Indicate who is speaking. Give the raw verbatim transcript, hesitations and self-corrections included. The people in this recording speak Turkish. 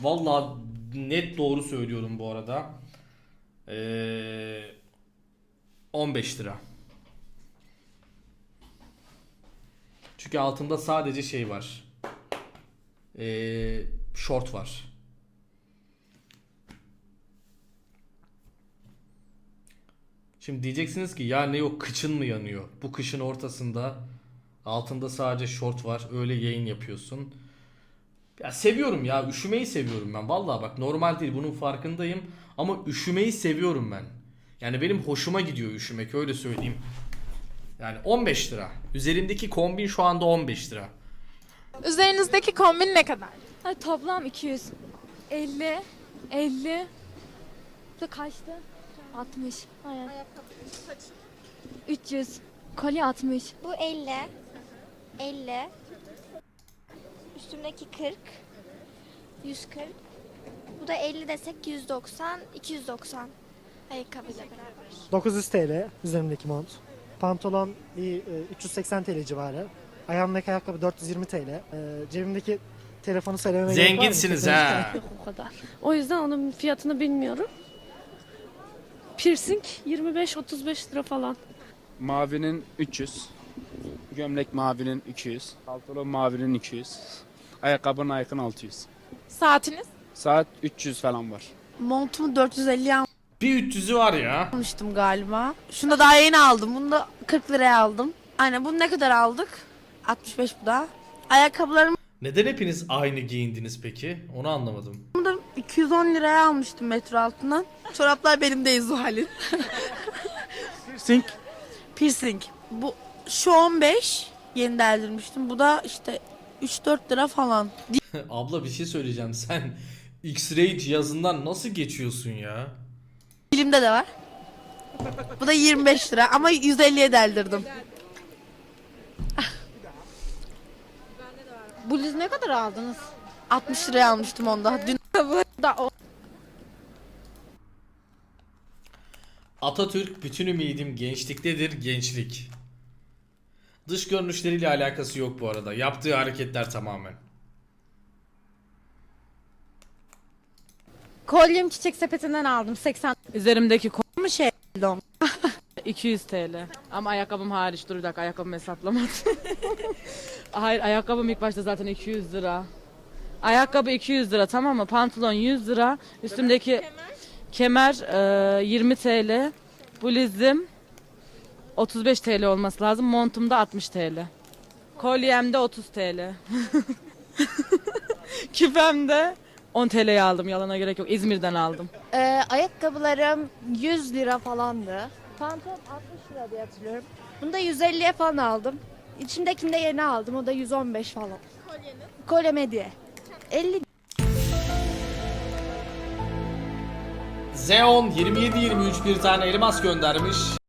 Speaker 1: Vallahi net doğru söylüyorum bu arada. Ee, on beş lira. Çünkü altında sadece şey var. Ee, short var. Şimdi diyeceksiniz ki ya ne yok, kıçın mı yanıyor? Bu kışın ortasında altında sadece short var. Öyle yayın yapıyorsun. Ya seviyorum ya. Üşümeyi seviyorum ben. Vallahi bak, normal değil, bunun farkındayım. Ama üşümeyi seviyorum ben. Yani benim hoşuma gidiyor üşümek, öyle söyleyeyim. Yani on beş lira. Üzerimdeki kombin şu anda on beş lira.
Speaker 2: Üzerinizdeki kombin ne kadar?
Speaker 3: Ay, toplam iki yüz. elli. elli. Bu da kaçtı? altmış. Aynen. üç yüz. Kolye altmış.
Speaker 4: Bu elli. elli. Üstümdeki kırk. yüz kırk. Bu da elli desek yüz doksan. iki yüz doksan. Ayakkabıyla beraber.
Speaker 5: dokuz yüz T L üzerimdeki mont. Pantolon bir e, üç yüz seksen T L civarı. Ayağımdaki ayakkabı dört yüz yirmi T L. E, cebimdeki telefonu söylememe gerek var mı?
Speaker 1: Zenginsiniz ha.
Speaker 3: Yok o kadar. O yüzden onun fiyatını bilmiyorum. Piercing yirmi beş otuz beş lira falan.
Speaker 6: Mavinin üç yüz. Gömlek mavinin iki yüz. Pantolon mavinin iki yüz. Ayakkabının Nike'ın altı yüz.
Speaker 2: Saatiniz?
Speaker 6: Saat üç yüz falan var.
Speaker 7: Montumu dört yüz elliye
Speaker 1: Bir üç yüzü var ya.
Speaker 7: almıştım galiba. Şunu da daha yeni aldım. Bunu da kırk liraya aldım. Aynen, bunu ne kadar aldık? altmış beş bu da. Ayakkabılarımı
Speaker 1: Neden hepiniz aynı giyindiniz peki? Onu anlamadım.
Speaker 7: da iki yüz on liraya almıştım metro altından. Çoraplar benim değil Zuhal'in.
Speaker 6: Piercing.
Speaker 7: Piercing. Bu şu on beş yeni deldirmiştim. Bu da işte üç dört lira falan.
Speaker 1: Abla bir şey söyleyeceğim. Sen X-ray cihazından nasıl geçiyorsun ya?
Speaker 7: Dilimde de var. Bu da yirmi beş lira ama yüz elliye deldirdim.
Speaker 3: Bluz ne kadar aldınız?
Speaker 7: altmış liraya almıştım onda. Dün
Speaker 3: Da o.
Speaker 1: Atatürk bütün ümidim gençliktedir, gençlik. Dış görünüşleriyle alakası yok bu arada. Yaptığı hareketler tamamen.
Speaker 3: Kolyem çiçek sepetinden aldım seksen.
Speaker 7: üzerimdeki kol mu şey long?
Speaker 8: iki yüz T L. Ama ayakkabım hariç. Dur bir dakika, ayakkabımı hesaplamadım. Hayır, ayakkabım ilk başta zaten iki yüz lira. Ayakkabı iki yüz lira, tamam mı? Pantolon yüz lira. Üstümdeki kemer, e, yirmi T L. Bluzum otuz beş T L olması lazım. Montum da altmış T L. Kolyem de otuz T L. Küpem de on T L'ye aldım. Yalana gerek yok. İzmir'den aldım.
Speaker 2: Ee, ayakkabılarım yüz lira falandı. Pantolon altmış lira diye hatırlıyorum. Bunu da yüz elliye falan aldım. İçimdekini de yeni aldım. O da yüz on beş falan. Kolyeniz? Kolye hediye. elli.
Speaker 1: Zeon yirmi yedi yirmi üç bir tane elmas göndermiş.